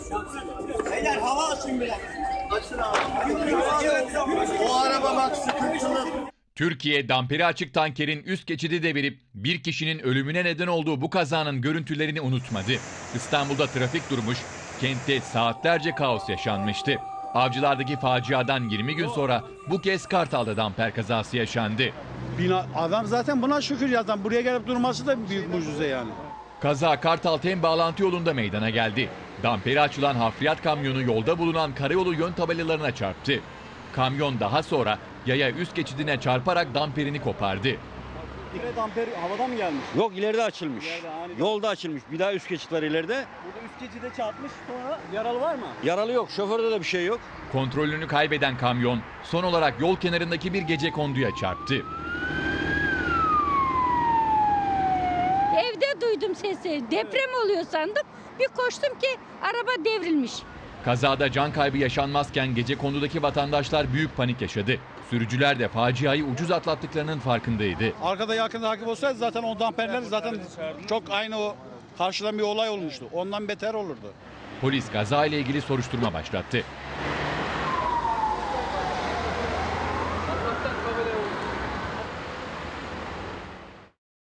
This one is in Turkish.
Beyler hava açın biraz. Açın abi. O araba bak sıkıntılı. Türkiye damperi açık tankerin üst geçidi devirip bir kişinin ölümüne neden olduğu bu kazanın görüntülerini unutmadı. İstanbul'da trafik durmuş, kentte saatlerce kaos yaşanmıştı. Avcılardaki faciadan 20 gün sonra bu kez Kartal'da damper kazası yaşandı. Adam zaten buna şükür ya. Buraya gelip durması da büyük mucize yani. Kaza Kartal-Tem bağlantı yolunda meydana geldi. Damperi açılan hafriyat kamyonu yolda bulunan karayolu yön tabelalarına çarptı. Kamyon daha sonra yaya üst geçidine çarparak damperini kopardı. Damper havadan mı gelmiş? Yok, ileride açılmış. Yolda açılmış. Bir daha üst geçit var ileride. Burada üst geçide çarpmış, sonra yaralı var mı? Yaralı yok. Şoförde de bir şey yok. Kontrolünü kaybeden kamyon son olarak yol kenarındaki bir gecekonduya çarptı. Evde duydum sesi. Deprem oluyor sandım. Bir koştum ki araba devrilmiş. Kazada can kaybı yaşanmazken gecekondudaki vatandaşlar büyük panik yaşadı. Sürücüler de faciayı ucuz atlattıklarının farkındaydı. Arkada yakın takip olsaydı zaten o damperler zaten çok aynı o karşıdan bir olay olmuştu. Ondan beter olurdu. Polis kaza ile ilgili soruşturma başlattı.